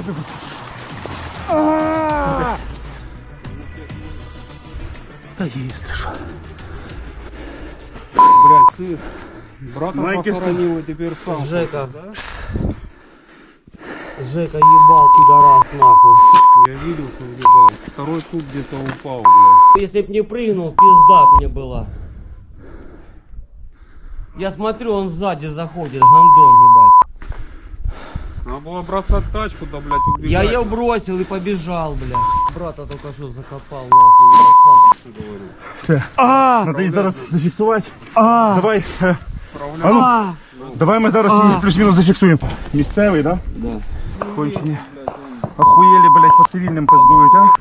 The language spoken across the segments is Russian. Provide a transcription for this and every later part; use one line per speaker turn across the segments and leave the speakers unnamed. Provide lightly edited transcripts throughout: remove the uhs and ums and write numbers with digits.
Да если что.
Блядь, сын. Брата похоронил и теперь сам.
Жека. Жека ебал, пидорас, нахуй.
Я видел, что въебал. Второй суп где-то упал, блядь.
Если б не прыгнул, пизда б мне была. Я смотрю, он сзади заходит, гандон, ебать.
Надо было бросать тачку, да, блядь, убегать.
Я ее бросил и побежал, блядь. Брата только что закопал, нахуй, ебать, сам что говорю.
Все. Надо їх зараз зафіксувати. Давай. А ну, давай ми зараз її плюс-мінус зафіксуємо. Місцевий, да?
Да.
Кончені. Охуєлі, блядь, по цивільним пиздують, а?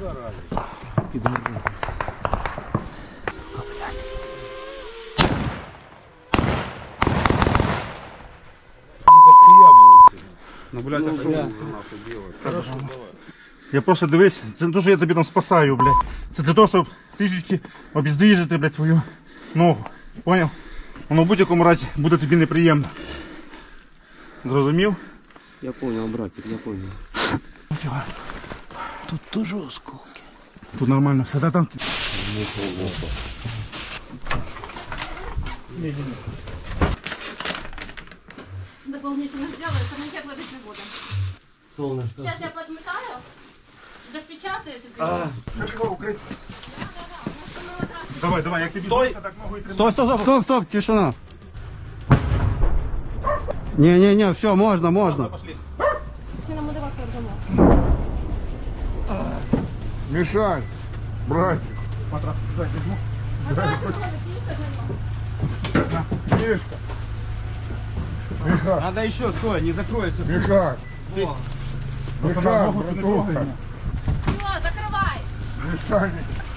Ну, блядь, а что вы нахуй делать? Хорошо, давай.
Я просто дивись, це не те, що я тобі там спасаю, блядь. Це для того, щоб трішечки обіздвіжити, блядь, твою ногу. Поняв? Воно в будь-якому разі буде тобі неприємно. Зрозумів?
Я понял, братик, я понял. Тут тоже осколки.
Тут нормально все, да, там?
Дополнительно сделаю, комментарий ловить не буду.
Солнышко.
Сейчас я подметаю, запечатаю тебе.
Давай, давай, як тобі стой! Так ногу і тримай.
Стоп, стоп, тишина. Не, все, можно.
Ты нам удавай дома.
Мешай, братик. Мишка. Мешай,
Надо еще, стой, не закроется.
мешай. Мешай, братуха.
Все, закрывай.
Мешай.